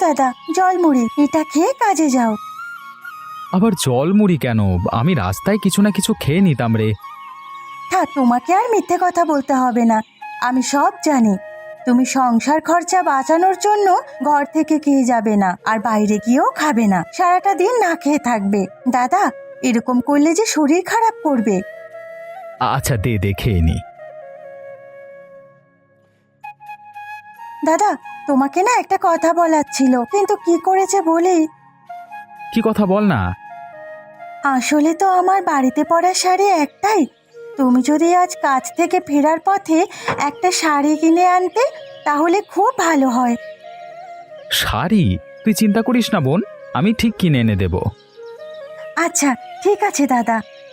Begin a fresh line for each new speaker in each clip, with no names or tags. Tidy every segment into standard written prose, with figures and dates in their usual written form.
দাদা, জলমুড়ি, এটা খেয়ে কাজে যাও।
আবার জল মুড়ি কেন? আমি রাস্তায় কিছু না কিছু খেয়ে নিতাম রে।
থাক, তোমাকে আর মিথ্যে কথা বলতে হবে না। আমি সব জানি। তুমি সংসার খরচা বাঁচানোর জন্য ঘর থেকে খেয়ে যাবে না, আর বাইরে গিয়েও খাবে না, সারাটা দিন না খেয়ে থাকবে। দাদা, এরকম করলে যে শরীর খারাপ করবে।
আচ্ছা দে দে খেয়ে নি।
দাদা, তোমাকে না একটা কথা বলার ছিল, কিন্তু কি করেছে বলি?
কি কথা বল না।
আসলে তো আমার বাড়িতে পরা শাড়ি একটাই। তুমি যদি আজ কাজ থেকে ফেরার পথে একটা শাড়ি কিনে আনতে, তাহলে খুব ভালো হয়।
শাড়ি? তুই চিন্তা করিস না বোন, আমি ঠিক কিনে এনে দেব।
আচ্ছা, ঠিক আছে দাদা।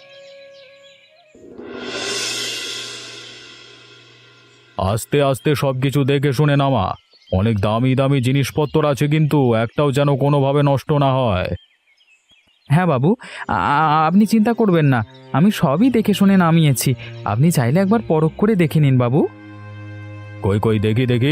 আস্তে আস্তে সবকিছু দেখে শুনে নামা। অনেক দামি দামি জিনিসপত্র আছে, কিন্তু একটাও যেন কোনোভাবে নষ্ট না হয়। হ্যাঁ বাবু, আপনি চিন্তা করবেন না, আমি সবই দেখে শুনে নামিয়েছি। আপনি চাইলে একবার পরখ করে দেখে নিন বাবু। কই কই দেখি দেখি।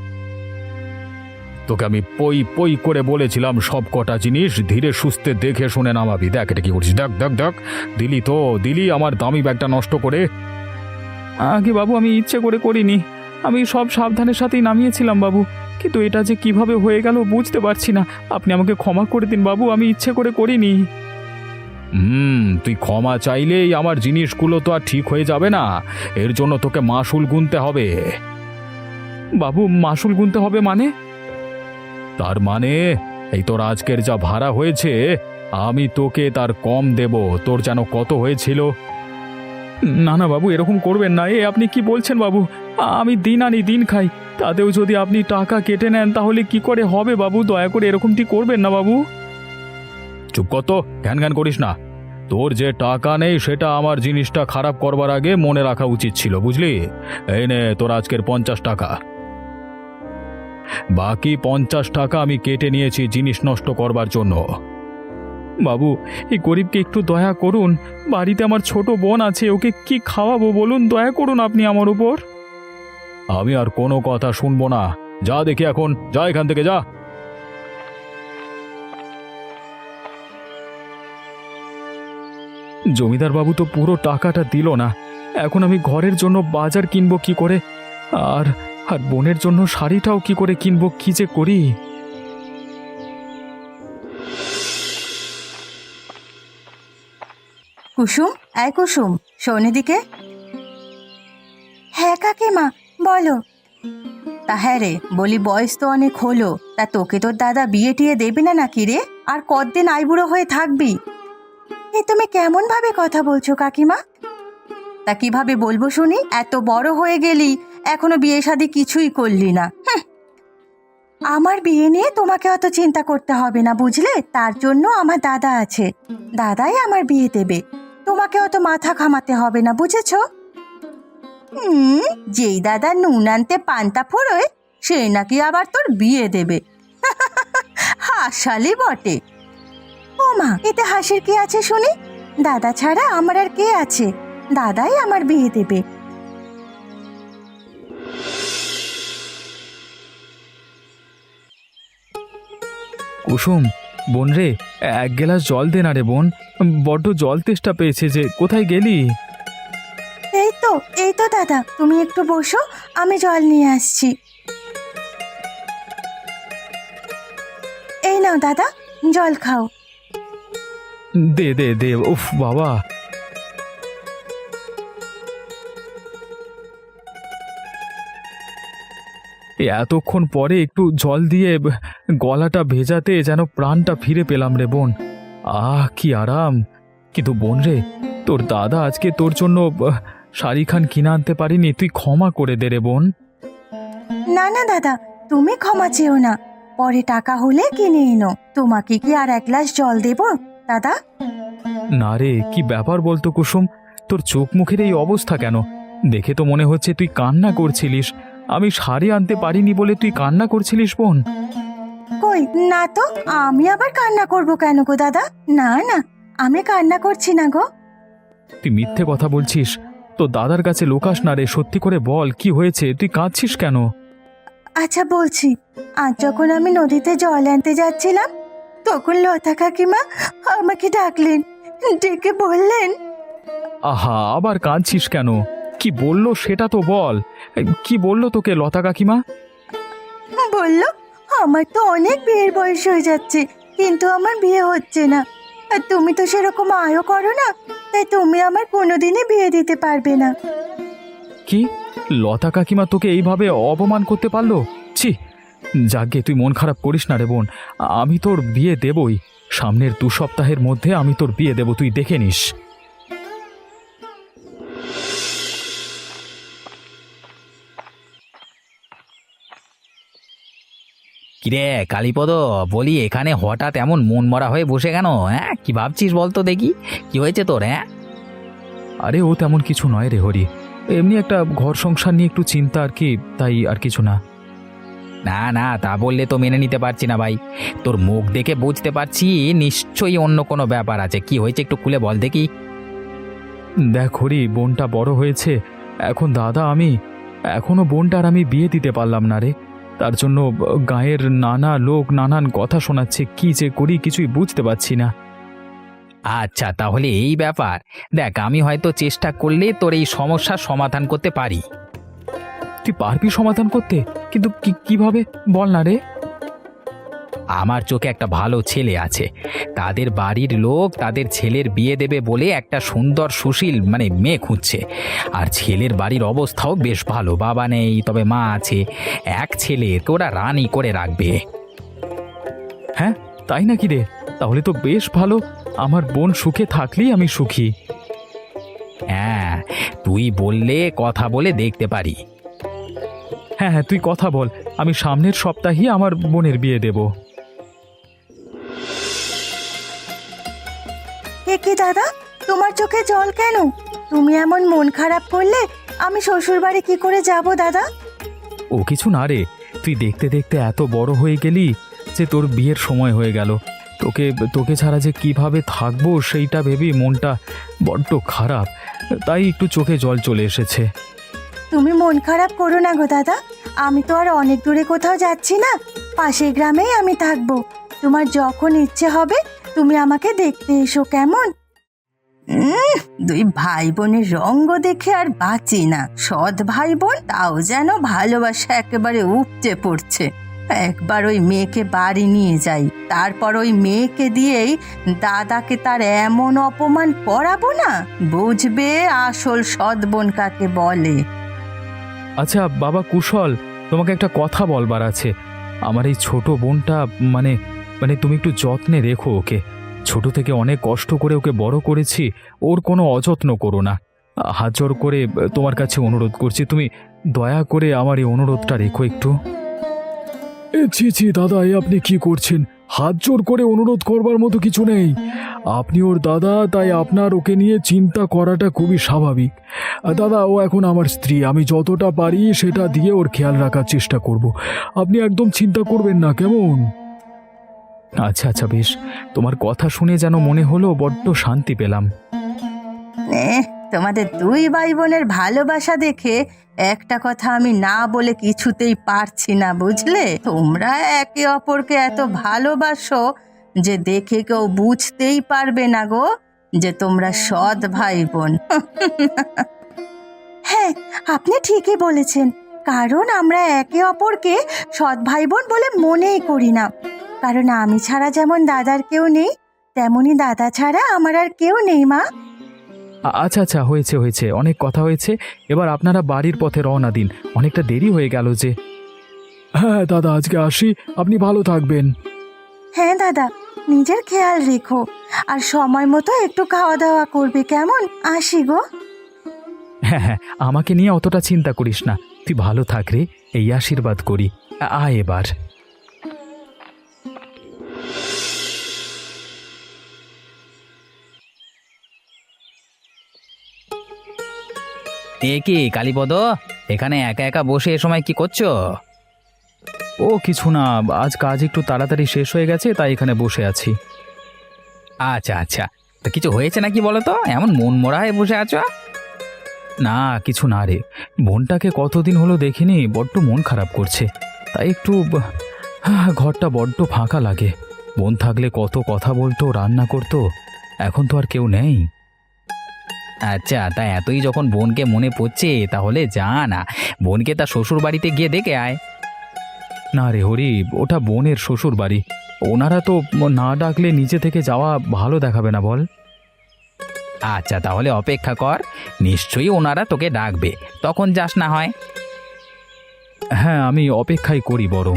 তোকে আমি পই পই করে বলেছিলাম সব কটা জিনিস ধীরে সুস্থে দেখে শুনে নামাবি। দেখ এটা কি করছিস, দেখ দেখ দেখ। দিলি আমার দামি ব্যাগটা নষ্ট করে। আগে বাবু, আমি ইচ্ছে করে করিনি, আমি সব সাবধানের সাথেই নামিয়েছিলাম বাবু, কিন্তু এটা যে কিভাবে হয়ে গেল বুঝতে পারছি না। আপনি আমাকে ক্ষমা করে দিন বাবু, আমি ইচ্ছে করে করিনি। তুই ক্ষমা চাইলেই আমার জিনিসগুলো তো আর ঠিক হয়ে যাবে না, এর জন্য তোকে মাসুল গুনতে হবে। বাবু, মাসুল গুনতে হবে মানে? তার মানে এই তোর আজকের যা ভাড়া হয়েছে, আমি তোকে তার কম দেব। তোর যেন কত হয়েছিল? না না বাবু, এরকম করবেন না। আপনি কি বলছেন বাবু? আমি দিন আনি দিন খাই, তাতেও যদি আপনি টাকা কেটে নেন তাহলে কি করে হবে বাবু? দয়া করে এরকমটি করবেন না বাবু। চুপ কর তো, ঘ্যান ঘ্যান করিস না। তোর যে টাকা নেই সেটা আমার জিনিসটা খারাপ করবার আগে মনে রাখা উচিত ছিল, বুঝলি? এই নে তোর আজকের 50 টাকা। বাকি 50 টাকা আমি কেটে নিয়েছি জিনিস নষ্ট করবার জন্য। বাবু, এই গরিবকে একটু দয়া করুন। বাড়িতে আমার ছোট বোন আছে, ওকে কি খাওয়াবো বলুন? দয়া করুন আপনি আমার উপর। আমি আর কোনো কথা শুনবো না। যা দেখি এখন, যা এখান থেকে যা। জমিদার বাবু তো পুরো টাকাটা দিল না। এখন আমি ঘরের জন্য বাজার কিনবো কি করে, আর আর বোনের জন্য শাড়িটাও কি করে কিনবো, কি যে করি।
কুসুম, এই কুসুম, শোন এদিকে। হ্যাঁ কাকিমা, বলো। তা হ্যাঁ রে, বলি বয়স তো অনেক হলো, তা তোকে তোর দাদা বিয়ে টিয়ে দেবে না নাকি রে? আর কতদিন আইবুড়ো হয়ে থাকবি? তুমি কেমন ভাবে কথা বলছো কাকিমা? তা কিভাবে বলবো শুনি? এত বড় হয়ে গেলি, এখনো বিয়ে শাদী কিছুই করলি না। আমার বিয়ে নিয়ে তোমাকে অত চিন্তা করতে হবে না, বুঝলে? তার জন্য আমার দাদা আছে, দাদাই আমার বিয়ে দেবে। তোমাকে অত মাথা ঘামাতে হবে না, বুঝেছ? যেই দাদা নুন আনতে পান্তা ফোড়োয়, সে নাকি আবার তোর বিয়ে দেবে। হাসালি বটে। ও মা, এতে হাসির কি আছে শুনি? দাদা ছাড়া আমার আর কে আছে? দাদাই আমার বিয়ে দেবে।
কুসুম, বোন রে, এক গ্লাস জল দে না রে বোন, বড্ড জল তেষ্টা পেয়েছে যে। কোথায় গেলি?
এই তো দাদা, তুমি একটু বসো, আমি জল নিয়ে আসছি। এই নাও দাদা, জল খাও।
দে দে দে, উফ বাবা। এতক্ষণ পরে একটু জল দিয়ে গলাটা ভেজাতে যেন প্রাণটা ফিরে পেলাম রে বোন। কি আরাম। কিন্তু বোন রে, তোর দাদা আজকে তোর জন্য শাড়ি খান কিনে আনতে পারিনি, তুই ক্ষমা করে দে রে বোন।
না না দাদা, তুমি ক্ষমা চেও না, পরে টাকা হলে কিনে এনো। তোমাকে কি আর এক গ্লাস জল দেব দাদা?
না রে, কি ব্যাপার বলতো কুসুম, তোর চোখ মুখের এই অবস্থা কেন? দেখে তো মনে হচ্ছে তুই কান্না করছিলিস। আমি শাড়ি আনতে পারিনি বলে তুই কান্না করছিলিস বোন?
কই না তো, আমি আবার কান্না করব কেন গো দাদা? না না, আমি কান্না করছি না গো।
তুই মিথ্যে কথা বলছিস। তো দাদার কাছে লুকাস না রে, সত্যি করে বল কি হয়েছে, তুই কাঁদছিস কেন?
আচ্ছা বলছি, আজ যখন আমি নদীতে জল আনতে যাচ্ছিলাম তখন লতা কাকিমা আমাকে ডাকলেন, ডেকে বললেন,
আহা, আবার কাঁদছিস কেন? কি বললো সেটা তো বল। কি বললো তোকে লতা কাকিমা?
বলল আমার তো অনেক বিয়ের বয়স হয়ে যাচ্ছে, কিন্তু আমার বিয়ে হচ্ছে না। আর তুমি তো সেরকম আয়ও করো না, তাই তুমি আমার কোনোদিনই বিয়ে দিতে পারবে না।
কি, লতা কাকিমা তোকে এইভাবে অপমান করতে পারলো? ছি! যাকে তুই মন খারাপ করিস না রে বোন, আমি তোর বিয়ে দেবই। সামনের 2 সপ্তাহের মধ্যে আমি তোর বিয়ে দেব, তুই দেখে নিস।
কিরে কালীপদ, বলি এখানে হঠাৎ এমন মন মরা হয়ে বসে কেন? হ্যাঁ, কি ভাবছিস বলতো দেখি, কি হয়েছে তোর? হ্যাঁ,
আরে ও তেমন কিছু নয় রে হরি, এমনি একটা ঘর সংসার নিয়ে একটু চিন্তা আর কি, তাই আর কিছু না।
না না, তা বললে তো মেনে নিতে পারছি না ভাই। তোর মুখ দেখে বুঝতে পারছি নিশ্চয়ই অন্য কোনো ব্যাপার আছে। কি হয়েছে একটু খুলে বল দেখি।
দেখ হরি, বোনটা বড় হয়েছে এখন, দাদা আমি এখনো বোনটার আমি বিয়ে দিতে পারলাম না রে। তার জন্য গায়ের নানা লোক নানান কথা শোনাচ্ছে, কি যে করি কিছুই বুঝতে পারছি না।
আচ্ছা, তাহলে এই ব্যাপার। দেখ, আমি হয়তো চেষ্টা করলে তোর এই সমস্যার সমাধান করতে পারি।
তুই পারবি সমাধান করতে? কিন্তু কিভাবে বল না রে।
আমার চোখে একটা ভালো ছেলে আছে, তাদের বাড়ির লোক তাদের ছেলের বিয়ে দেবে বলে একটা সুন্দর সুশীল মেয়ে খুঁজছে। আর ছেলের বাড়ির অবস্থাও বেশ ভালো, বাবা নেই তবে মা আছে। এক ছেলেকে ওরা রানী করে রাখবে।
হ্যাঁ, তাই নাকি রে? তাহলে তো বেশ ভালো, আমার বোন সুখে থাকলেই আমি সুখী।
হ্যাঁ, তুই বললে কথা বলে দেখতে পারি।
হ্যাঁ হ্যাঁ, তুই কথা বল, আমি সামনের সপ্তাহেই আমার বোনের বিয়ে দেব।
এ কি দাদা, তোমার চোখে জল কেন? তুমি এমন মন খারাপ করলে আমি শ্বশুর বাড়ি কি করে যাব দাদা?
ও কিছু না রে, তুই দেখতে দেখতে এত বড় হয়ে গেলি যে তোর বিয়ের সময় হয়ে গেল। তোকে তোকে ছাড়া যে কিভাবে থাকবো সেইটা ভেবেই মনটা বড্ড খারাপ, তাই একটু চোখে জল চলে এসেছে।
তুমি মন খারাপ করো না গো দাদা, আমি তো আর অনেক দূরে কোথাও যাচ্ছি না, পাশের গ্রামেই আমি থাকবো। তোমার যখন ইচ্ছে হবে তুমি আমাকে দেখতে এসো, কেমন? দুই ভাই বোনের রঙ্গ দেখে আর বাঁচি না। সৎ ভাই বোন, তাও যেন ভালোবাসা একেবারে উপচে পড়ছে। একবার ওই মেয়েকে বাড়ি নিয়ে যাই, তারপর ওই মেয়েকে দিয়েই দাদাকে তার এমন অপমান করাবো না, বুঝবে আসল সৎ বোন কাকে বলে।
আচ্ছা বাবা কুশল, তোমাকে একটা কথা বলবার আছে। আমার এই ছোট বোনটা মানে মানে তুমি একটু যত্নে রেখো ওকে। ছোট থেকে অনেক কষ্ট করে ওকে বড় করেছি, ওর কোনো অযত্ন করো না। হাত জোর করে তোমার কাছে অনুরোধ করছি, তুমি দয়া করে আমার এই অনুরোধটা রেখো একটু। ছি ছি দাদা, এ আপনি কি করছেন? হাত জোর করে অনুরোধ করবার মতো কিছু নেই। আপনি ওর দাদা, তাই আপনার ওকে নিয়ে চিন্তা করাটা খুবই স্বাভাবিক। দাদা, ও এখন আমার স্ত্রী, আমি যতটা পারি সেটা দিয়ে ওর খেয়াল রাখার চেষ্টা করব। আপনি একদম চিন্তা করবেন না, কেমন? আচ্ছা আচ্ছা, বেশ। তোমার কথা শুনে যেন মনে হলো বড্ড শান্তি পেলাম।
তোমাদের দুই ভাই বোনের ভালোবাসা দেখে একটা কথা আমি না বলে কিছুতেই পারছি না, বুঝলে? তোমরা একে অপরকে এত ভালোবাসো যে দেখে কেউ বুঝতেই পারবে না গো যে তোমরা সৎ ভাই বোন। হ্যাঁ, আপনি ঠিকই বলেছেন, কারণ আমরা একে অপরকে সৎ ভাই বোন বলে মনেই করি না। কারণ আমি ছাড়া যেমন দাদার কেউ নেই, তেমনি দাদা ছাড়া আমার আর কেউ নেই। মা,
আচ্ছা আচ্ছা, হয়েছে হয়েছে, অনেক কথা হয়েছে। এবার আপনারা বাড়ির পথে রওনা দিন, অনেকটা দেরি হয়ে গেল যে। হ্যাঁ দাদা, আজকে আসি, আপনি ভালো থাকবেন।
হ্যাঁ দাদা, নিজের খেয়াল রেখো, আর সময় মতো একটু খাওয়া দাওয়া করবে, কেমন? আসি গো।
হ্যাঁ হ্যাঁ, আমাকে নিয়ে অতটা চিন্তা করিস না, তুই ভালো থাক রে, এই আশীর্বাদ করি। আয় এবার।
এ কি কালীপদ, এখানে একা একা বসে এ সময় কি করছো?
ও কিছু না, আজ কাজ একটু তাড়াতাড়ি শেষ হয়ে গেছে, তাই এখানে বসে আছি।
আচ্ছা আচ্ছা, তা কিছু হয়েছে নাকি বলো তো, এমন মন মরা হয়ে বসে আছো?
না কিছু না রে, বোনটাকে কতদিন হলো দেখিনি, বড্ড মন খারাপ করছে। তাই একটু ঘরটা বড্ড ফাঁকা লাগে। বোন থাকলে কত কথা বলতো, রান্না করতো, এখন তো আর কেউ নেই।
আচ্ছা, তা এতই যখন বোনকে মনে পড়ছে তাহলে যা না, বোনকে তার শ্বশুর বাড়িতে গিয়ে দেখে আয়।
না রে হরি, ওটা বোনের শ্বশুর বাড়ি, ওনারা তো না ডাকলে নিজে থেকে যাওয়া ভালো দেখাবে না বল।
আচ্ছা, তাহলে অপেক্ষা কর, নিশ্চয়ই ওনারা তোকে ডাকবে, তখন যাস না হয়।
হ্যাঁ, আমি অপেক্ষাই করি বরং।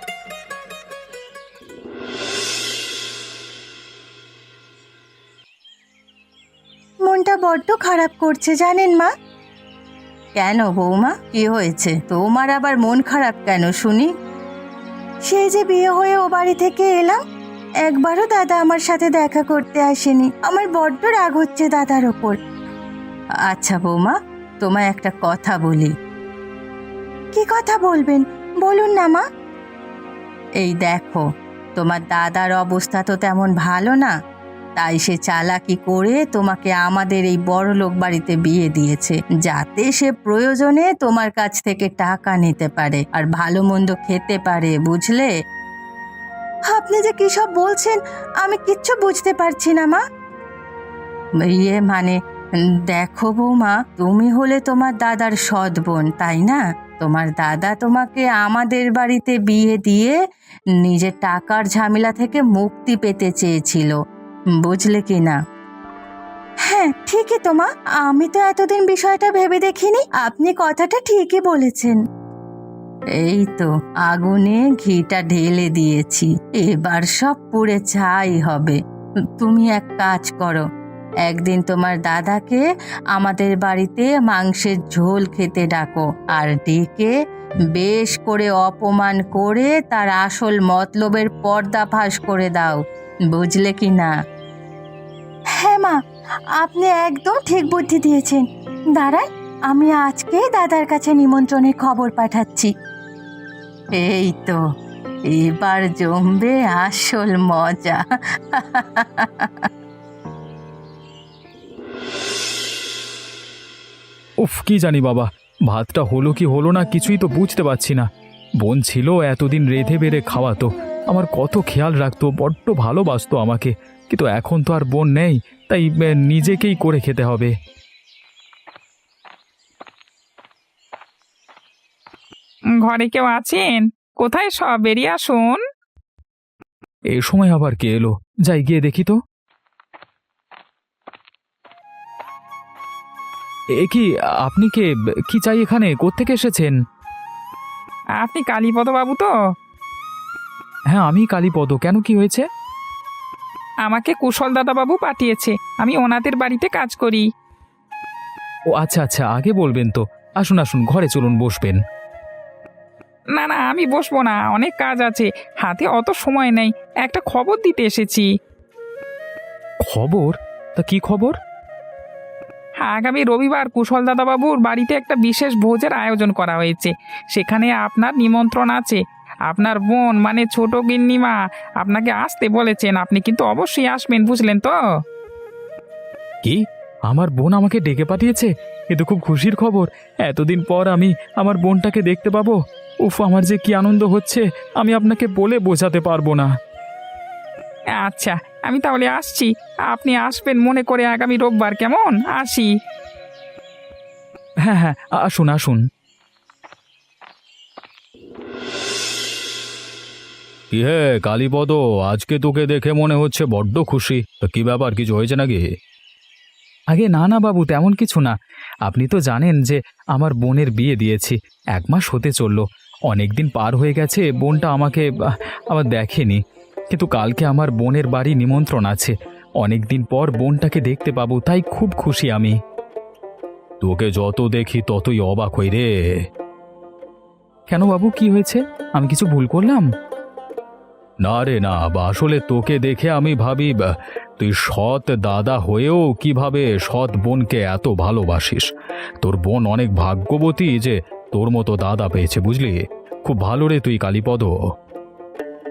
মনটা বড্ড খারাপ করছে জানেন মা। কেন বৌমা, কি হয়েছে তোমার আবার মন খারাপ কেন শুনি? সেই যে বিয়ে হয়ে ও বাড়ি থেকে এলাম, একবারও দাদা আমার সাথে দেখা করতে আসেনি। আমার বড্ড রাগ হচ্ছে দাদার ওপর। আচ্ছা বৌমা, তোমায় একটা কথা বলি। কি কথা বলবেন, বলুন না মা। এই দেখো, তোমার দাদার অবস্থা তো তেমন ভালো না, তাই সে চালাকি করে তোমাকে আমাদের এই বড়লোক বাড়িতে বিয়ে দিয়েছে, যাতে সে প্রয়োজনে তোমার কাছ থেকে টাকা নিতে পারে আর ভালো মন্দ খেতে পারে, বুঝলে? আপনি যে কি সব বলছেন আমি কিচ্ছু বুঝতে পারছি না মা। মানে দেখো বৌমা, তুমি হলে তোমার দাদার সৎ বোন, তাই না? তোমার দাদা তোমাকে আমাদের বাড়িতে বিয়ে দিয়ে নিজের টাকার ঝামেলা থেকে মুক্তি পেতে চেয়েছিল, বুঝলে কি না? হ্যাঁ ঠিকই তো মা, আমি তো এতদিন বিষয়টা ভেবে দেখিনি, আপনি কথাটা ঠিকই বলেছেন। এই তো আগুনে ঘিটা ঢেলে দিয়েছি, এবার সব পুড়ে ছাই হবে। তুমি এক কাজ করো, একদিন তোমার দাদাকে আমাদের বাড়িতে মাংসের ঝোল খেতে ডাকো, আর ডেকে বেশ করে অপমান করে তার আসল মতলবের পর্দাফাশ করে দাও, বুঝলে কি না? হ্যাঁ মা, আপনি একদম ঠিক বুদ্ধি দিয়েছেন। দাঁড়ান, আমি আজকেই দাদার কাছে নিমন্ত্রণের খবর পাঠাচ্ছি। এই তো, এবার জমবে আসল মজা।
উফ, কি জানি বাবা, ভাতটা হলো কি হলো না কিছুই তো বুঝতে পারছি না। বোন ছিল, এতদিন রেঁধে বেড়ে খাওয়াতো, আমার কত খেয়াল রাখতো, বড্ড ভালোবাসতো আমাকে, কিন্তু এখন তো আর বোন নেই, তাই নিজেকেই করে খেতে হবে।
ঘরে কেউ আছেন? কোথায় সব, বেরিয়ে আসুন।
এই সময় আবার কে এলো? যাই গিয়ে দেখি তো। এ কি, আপনি কে? কি চাই এখানে? কোত্থেকে এসেছেন?
আপনি কালীপদ বাবু তো?
হ্যাঁ, আমি কালীপদ। কেন, কি হয়েছে?
আমাকে কুশল দাদা বাবু পাঠিয়েছে, আমি ওনাদের বাড়িতে কাজ করি।
ও আচ্ছা আচ্ছা, আগে বলবেন তো। আসুন আসুন, ঘরে চলুন, বসবেন।
না না, আমি বসবো না, অনেক কাজ আছে, হাতে অত সময় নেই, একটা খবর দিতে এসেছি।
খবর? তা কি খবর?
আগামী রবিবার কুশল দাদা বাবুর বাড়িতে একটা বিশেষ ভোজের আয়োজন করা হয়েছে, সেখানে আপনার নিমন্ত্রণ আছে। আপনার বোন মানে ছোট গিন্নিমা আপনাকে আসতে বলেছেন, আপনি কিন্তু অবশ্যই আসবেন, বুঝলেন তো?
কি, আমার বোন আমাকে ডেকে পাঠিয়েছে? এ তো খুব খুশির খবর। এতদিন পর আমি আমার বোনটাকে দেখতে পাবো। উফ, আমার যে কি আনন্দ হচ্ছে, আমি আপনাকে বলে বোঝাতে পারবো না।
আচ্ছা, আমি তাহলে আসছি, আপনি আসবেন মনে করে আগামী রোববার, কেমন? আসি।
হ্যাঁ হ্যাঁ, আসুন আসুন। কি হে কালীপদ, আজকে তোকে দেখে মনে হচ্ছে বড্ড খুশি। তো কি ব্যাপার, কিছু হয়েছে নাকি? আগে না না বাবু, তেমন কিছু না। আপনি তো জানেন যে আমার বোনের বিয়ে দিয়েছি, 1 মাস হতে চললো। অনেক দিন পার হয়ে গেছে, বোনটা আমাকে আবার দেখেনি, কিন্তু কালকে আমার বোনের বাড়ি নিমন্ত্রণ আছে। অনেক দিন পর বোনটাকে দেখতে পাবো, তাই খুব খুশি আমি। তোকে যত দেখি ততই অবাক হই রে। কেন বাবু, কি হয়েছে? আমি কিছু ভুল করলাম? না রে না, আসলে তোকে দেখে আমি ভাবি তুই সৎ দাদা হয়েও কিভাবে সৎ বোনকে এত ভালোবাসিস। তোর বোন অনেক ভাগ্যবতী যে তোর মতো দাদা পেয়েছে, বুঝলি? খুব ভালো রে তুই কালীপদ।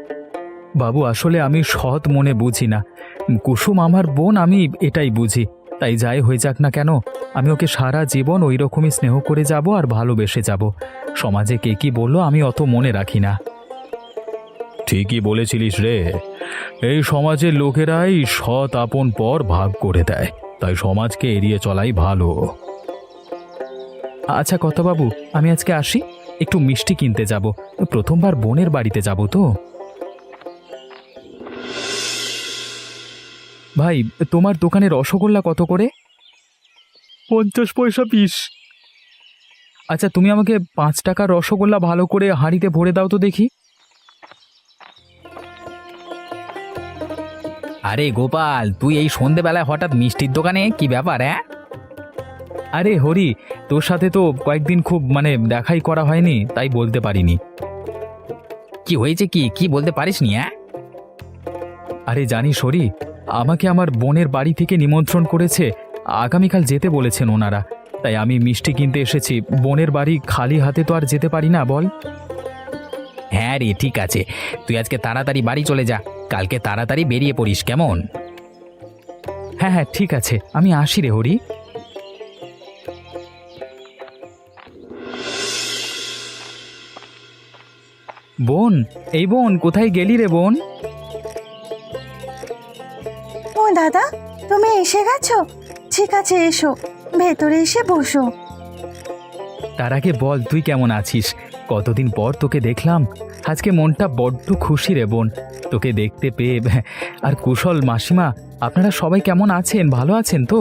বাবু, আসলে আমি সৎ মনে বুঝি না। কুসুম আমার বোন, আমি এটাই বুঝি। তাই যাই হয়ে যাক না কেন আমি ওকে সারা জীবন ওই রকমই স্নেহ করে যাব আর ভালোবেসে যাব। সমাজে কে কি বললো আমি অত মনে রাখি না। ঠিকই বলেছিলিস রে, এই সমাজের লোকেরাই সৎ আপন পর ভাগ করে দেয়, তাই সমাজকে এড়িয়ে চলাই ভালো। আচ্ছা কথা বাবু, আমি আজকে আসি, একটু মিষ্টি কিনতে যাব, প্রথমবার বোনের বাড়িতে যাব তো। ভাই, তোমার দোকানে রসগোল্লা কত করে? 50 পয়সা পিস। আচ্ছা, তুমি আমাকে 5 টাকার রসগোল্লা ভালো করে হাঁড়িতে ভরে দাও তো দেখি।
আরে গোপাল, তুই এই সন্ধেবেলায় হঠাৎ মিষ্টির দোকানে, কি ব্যাপার? হ্যাঁ,
আরে হরি, তোর সাথে তো কয়েকদিন খুব দেখাই করা হয়নি, তাই বলতে পারিনি।
কি হয়েছে? কি কি বলতে পারিস নি? হ্যাঁ,
আরে জানিস হরি, আমাকে আমার বোনের বাড়ি থেকে নিমন্ত্রণ করেছে, আগামীকাল যেতে বলেছেন ওনারা, তাই আমি মিষ্টি কিনতে এসেছি। বোনের বাড়ি খালি হাতে তো আর যেতে পারি না বল।
হ্যাঁ রে, ঠিক আছে, তুই আজকে তাড়াতাড়ি বাড়ি চলে যা, কালকে তাড়াতাড়ি বেরিয়ে পড়িস, কেমন?
হ্যাঁ হ্যাঁ, ঠিক আছে, আমি আসি রে হরি। বোন, এই বোন, কোথায় গেলি রে বোন?
ও দাদা, তুমি এসে গেছো? ঠিক আছে, এসো, ভেতরে এসে বসো।
তার আগে বল, তুই কেমন আছিস? কতদিন পর তোকে দেখলাম, আজকে মনটা বড্ড খুশি রে বোন, তোকে দেখতে পেয়ে। আর কুশল মাসিমা, আপনারা সবাই কেমন আছেন? ভালো আছেন তো?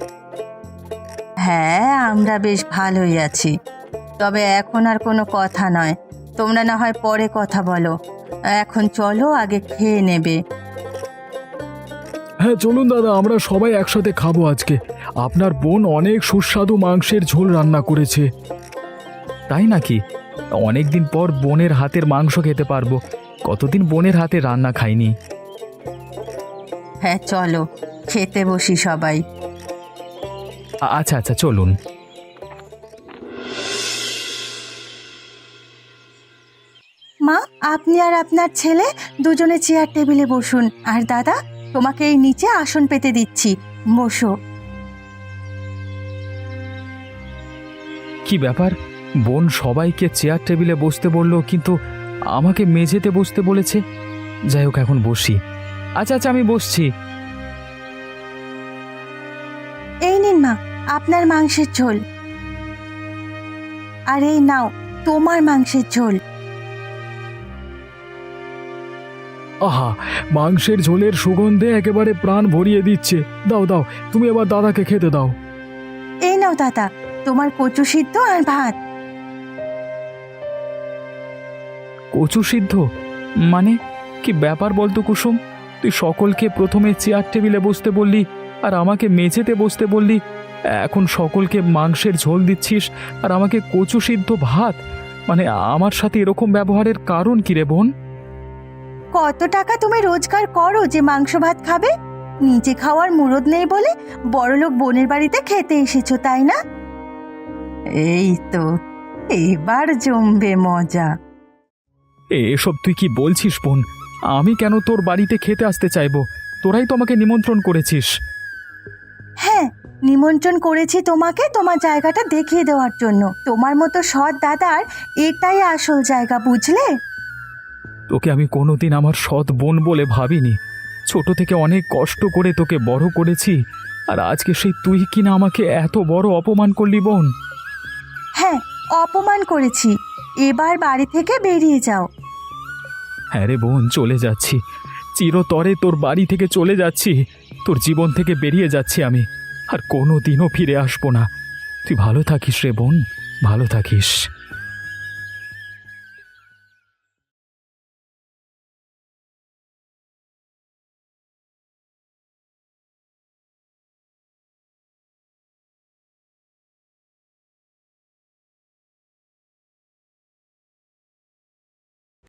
হ্যাঁ, আমরা বেশ ভালোই আছি, তবে এখন আর কোনো কথা নয়, তোমরা না হয় পরে কথা বলো, এখন চলো, আগে খেয়ে নেবে।
হ্যাঁ চলুন দাদা, আমরা সবাই একসাথে খাবো আজকে। আপনার বোন অনেক সুস্বাদু মাংসের ঝোল রান্না করেছে। তাই নাকি? অনেক দিন পর বোনের হাতের মাংস খেতে পারবো, কতদিন বোনের হাতে রান্না খাইনি।
হ্যাঁ চলো, খেতে বসি সবাই।
আচ্ছা আচ্ছা, চলুন।
মা, আপনি আর আপনার ছেলে দুজনে চেয়ার টেবিলে বসুন, আর দাদা, তোমাকে এই নিচে আসন পেতে দিচ্ছি, বসো।
কি ব্যাপার, বোন সবাইকে চেয়ার টেবিলে বসতে বললো, কিন্তু আমাকে মেঝেতে বসতে বলেছে। যাই হোক, এখন বসি। আচ্ছা আচ্ছা, আমি বসছি।
এই নিন মা, আপনার মাংসের ঝোল, আর এই নাও তোমার মাংসের ঝোল।
আহা, মাংসের ঝোলের সুগন্ধে একেবারে প্রাণ ভরিয়ে দিচ্ছে। দাও দাও, তুমি এবার দাদাকে খেতে দাও।
এই নাও দাদা, তোমার কচু সিদ্ধ আর ভাত।
কচু সিদ্ধ? মানে কি ব্যাপার বলতো কুসুম, তুই সকলকে প্রথমে চেয়ার টেবিলে বসতে বললি, আর আমাকে মেঝেতে বসতে বললি, এখন সকলকে মাংসের ঝোল দিচ্ছিস, আর আমাকে কচু সিদ্ধ ভাত? মানে আমার সাথে এরকম ব্যবহারের কারণ কি রে বোন?
কত টাকা তুমি রোজগার করো যে মাংস ভাত খাবে? নিজে খাওয়ার মুরদ নেই বলে বড়লোক বোনের বাড়িতে খেতে এসেছো, তাই না? এই তো, এবার জমবে মজা।
এসব তুই কি বলছিস বোন? আমি কেন তোর বাড়িতে খেতে আসতে চাইবো? তোরাই তো আমাকে নিমন্ত্রণ করেছিস।
হ্যাঁ, নিমন্ত্রণ করেছি তোমাকে তোমার জায়গাটা দেখিয়ে দেওয়ার জন্য। তোমার মতো সৎ দাদার এটাই আসল জায়গা, বুঝলে?
তোকে আমি কোনোদিন আমার সৎ বোন বলে ভাবিনি। ছোট থেকে অনেক কষ্ট করে তোকে বড় করেছি, আর আজকে সেই তুই কিনা আমাকে এত বড় অপমান করলি বোন।
হ্যাঁ, অপমান করেছি, এবার বাড়ি থেকে বেরিয়ে যাও।
হ্যাঁ রে বোন, চলে যাচ্ছি, চিরতরে তোর বাড়ি থেকে চলে যাচ্ছি, তোর জীবন থেকে বেরিয়ে যাচ্ছি আমি, আর কোনো দিনও ফিরে আসবো না। তুই ভালো থাকিস রে বোন, ভালো থাকিস।